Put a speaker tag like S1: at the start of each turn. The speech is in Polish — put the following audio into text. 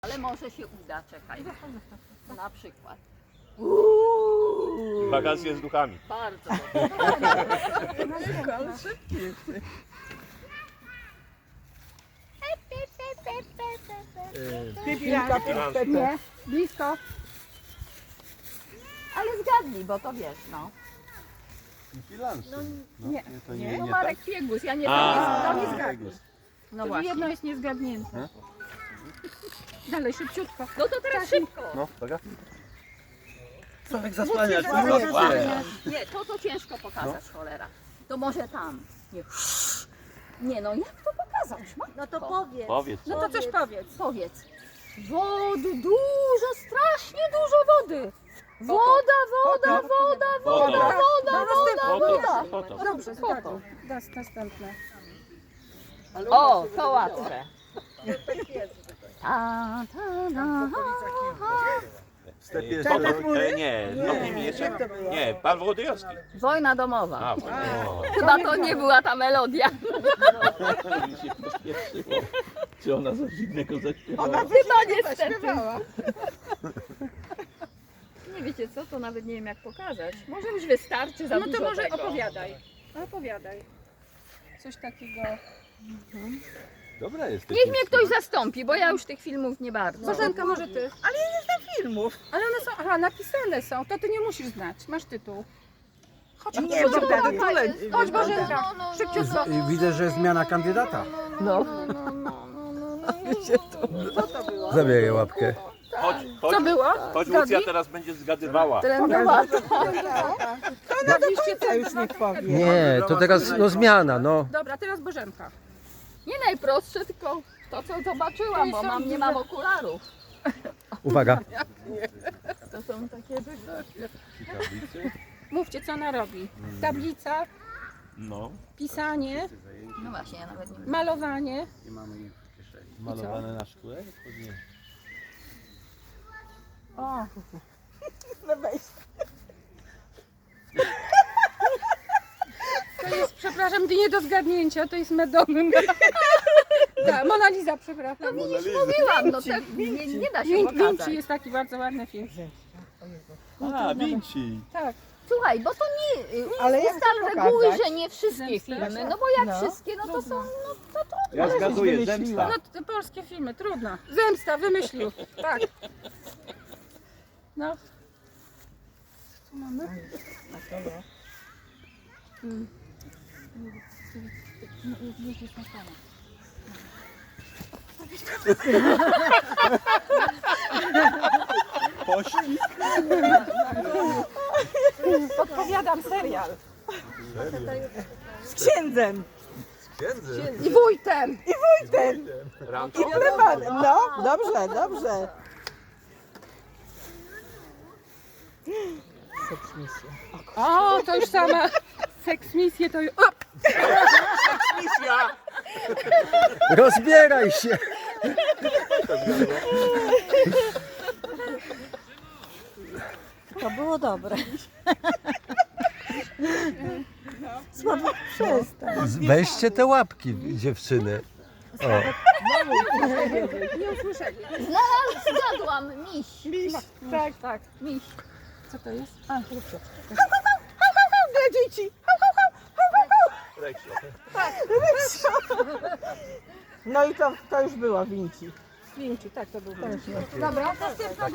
S1: Ale może się uda, czekaj. Na przykład.
S2: Wakacje z duchami.
S1: Bardzo.
S3: Ale szybki jesteś.
S1: Nie, blisko. Ale zgadnij, bo to wiesz, no.
S3: Nie,
S4: To
S3: nie.
S1: No Marek Piegus, ja nie
S2: A.
S1: to nie zgadnij. No
S3: To
S1: właśnie.
S3: jedno jest niezgadnięte. Dalej, szybciutko.
S1: No to teraz szybko.
S4: No, dobra. Sławek zasłaniasz,
S1: Nie, to ciężko pokazać, cholera. To może tam. Nie, nie no, jak to pokazać? Matko?
S5: No to powiedz.
S2: Powiedz.
S3: No to coś powiedz.
S1: Powiedz. Wody, dużo, strasznie dużo wody. Woda, woda, woda, woda, woda, woda, woda.
S2: Foto.
S3: Dobrze, zgadł. Następne.
S1: O, to łatwe. Ta, ta, ta,
S4: W stepie
S2: Nie, z nimi jeszcze? Nie, Pan Wołodyjowski.
S1: Wojna domowa.
S2: A,
S1: Chyba to nie była ta melodia.
S4: mi się pośpieszyło. Czy ona coś innego zaśpiewała?
S1: Chyba niestety. Nie wiecie co, to nawet nie wiem jak pokazać. Może już wystarczy za
S3: No
S1: dużo
S3: to może
S1: tego.
S3: opowiadaj. Opowiadaj. Coś takiego.
S4: Dobra jest.
S1: Niech mnie ktoś zastąpi, bo ja już tych filmów nie bardzo.
S3: Bożenka, może ty? Ale ja nie znam filmów. Ale one są, aha, napisane są, to ty nie musisz znać. Masz tytuł. Chodź,
S5: Nie,
S3: chodź,
S5: Bogdan,
S3: Bogdan. Chodź, Bożenka. Szybciutko.
S6: I widzę, że zmiana kandydata.
S1: No.
S6: Zabieraj łapkę.
S2: Chodź, chodź.
S3: Co było?
S2: Chodź,
S3: Zgodni?
S2: Lucja teraz będzie zgadywała.
S3: Zgadliście co?
S5: już nie powiem.
S6: Nie, to teraz no zmiana, no.
S3: Dobra, teraz Bożenka.
S1: Nie najprostsze, tylko to co zobaczyłam, bo nie mam okularów.
S6: Uwaga.
S1: To są takie
S3: Mówcie, co ona robi. Tablica,
S2: No.
S3: pisanie,
S1: No właśnie, ja nawet nie wiem.
S3: malowanie.
S4: Malowane na szkle? Nie.
S3: O,
S5: No weź.
S3: to jest, przepraszam, nie do zgadnięcia, to jest Madonna. Tak, Mona Lisa, przepraszam.
S1: Mówiłam, no tak nie da się
S3: Vinci
S1: pokazać.
S3: jest taki bardzo ładny film.
S4: A, Vinci.
S3: Tak.
S1: Słuchaj, bo to nie
S5: Ale jak
S1: ustal
S5: to
S1: reguły,
S5: pokazać?
S1: że nie wszystkie filmy, no bo jak wszystkie, no to są, no to
S4: Ja zgaduję, zemsta.
S3: No te polskie filmy, trudno. Zemsta, wymyślił. Tak. No. Co tu mamy?
S4: Poślizg.
S3: Podpowiadam serial.
S5: Z księdzem.
S3: I wójtem.
S2: Rancho.
S5: No, dobrze, dobrze.
S3: O, to już sama seksmisje to już... O!
S6: Rozbieraj się.
S5: To było dobre. Słabo przestań.
S6: Weźcie te łapki, dziewczyny. O.
S3: Nie usłyszeli.
S1: zgadłam, miś.
S3: Tak, tak.
S1: Miś.
S3: Co to jest? A,
S5: Dla dzieci. No i to już było Vinci.
S3: Vinci, tak to był.
S5: Dobra,